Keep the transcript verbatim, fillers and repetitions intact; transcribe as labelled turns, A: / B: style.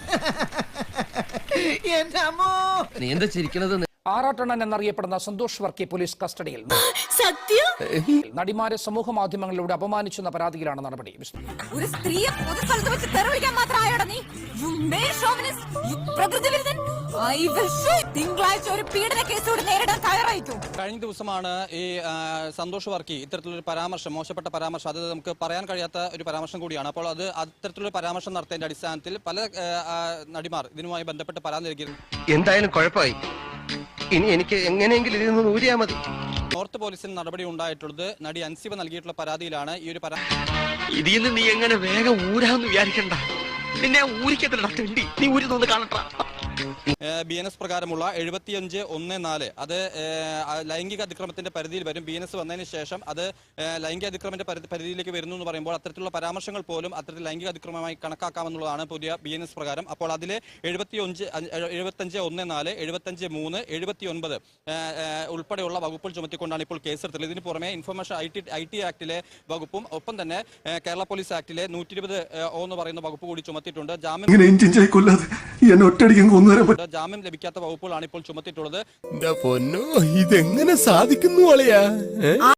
A: നീ എന്താ ചിരിക്കണത്?
B: ആറാട്ടണ്ണൻ എന്നറിയപ്പെടുന്ന സന്തോഷ് വർക്കി പോലീസ് കസ്റ്റഡിയിൽ. നടിമാരെ സമൂഹ മാധ്യമങ്ങളിലൂടെ അപമാനിച്ചെന്ന പരാതിയിലാണ് നടപടി.
C: ഒരു സ്ത്രീയെ പൊതുസ്ഥലത്ത് വെച്ച് തെറിവിളിക്കാൻ മാത്രമായോടാ നീ? You male chauvinist, you പ്രകൃതി വിരുദ്ധൻ. I will show you. തിങ്കളാഴ്ച ഒരു പീഡന കേസോട് നേരിടാൻ തയ്യാറായിക്കോ.
D: കഴിഞ്ഞ ദിവസമാണ് ഈ സന്തോഷ് വർക്കി ഇത്തരത്തിലൊരു പരാമർശം, മോശപ്പെട്ട പരാമർശം, അത് നമുക്ക് പറയാൻ കഴിയാത്ത ഒരു പരാമർശം കൂടിയാണ്. അപ്പോൾ അത് അത്തരത്തിലൊരു പരാമർശം നടത്തിയതിന്റെ അടിസ്ഥാനത്തിൽ പല നടിമാർ ഇതിനുമായി ബന്ധപ്പെട്ട് പരാതി നൽകിയിരുന്നു.
A: എന്തായാലും കുഴപ്പമായി. ഇനി എനിക്ക് എങ്ങനെയെങ്കിലും ഇതിൽ നിന്ന് ഊരിയാ മതി.
D: നോർത്ത് പോലീസിന് നടപടി ഉണ്ടായിട്ടുള്ളത് നടി അൻസിബ നൽകിയിട്ടുള്ള പരാതിയിലാണ്. ഈ ഒരു പരാതി
A: ഇതിൽ നിന്ന് നീ എങ്ങനെ വേഗം ഊരാന്ന് വിചാരിക്കണ്ട. നിന്നെ ഊരിക്കത്തില്ല, നീ ഊരി നോന്ന് കാണട്ടാ.
D: ബി എൻ എസ് പ്രകാരമുള്ള എഴുപത്തിയഞ്ച് ഒന്ന് നാല് അത് ലൈംഗിക അതിക്രമത്തിന്റെ പരിധിയിൽ വരും. ബി എൻ എസ് വന്നതിന് ശേഷം അത് ലൈംഗിക അതിക്രമത്തിന്റെ പരിധിയിലേക്ക് വരുന്നു എന്ന് പറയുമ്പോൾ അത്തരത്തിലുള്ള പരാമർശങ്ങൾ പോലും അത്തരത്തിൽ ലൈംഗിക അതിക്രമമായി കണക്കാക്കാമെന്നുള്ളതാണ് പുതിയ ബി എൻ എസ് പ്രകാരം. അപ്പോൾ അതിലെ എഴുപത്തിയഞ്ച് എഴുപത്തഞ്ച് ഒന്ന് നാല് എഴുപത്തഞ്ച് മൂന്ന് എഴുപത്തി ഒൻപത് ഉൾപ്പെടെയുള്ള വകുപ്പുകൾ ചുമത്തിക്കൊണ്ടാണ് ഇപ്പോൾ കേസെടുത്തത്. ഇതിന് പുറമെ information I T I T ആക്ടിലെ വകുപ്പും ഒപ്പം തന്നെ കേരള പോലീസ് ആക്ടിലെ നൂറ്റി ഇരുപത് ഒ എന്ന് പറയുന്ന വകുപ്പ് കൂടി ചുമത്തിയിട്ടുണ്ട്. ജാമ്യം ജാമ്യം ലഭിക്കാത്ത വകുപ്പുകളാണ് ഇപ്പോൾ ചുമത്തിയിട്ടുള്ളത്.
E: ഇതെങ്ങനെ സാധിക്കുന്നു?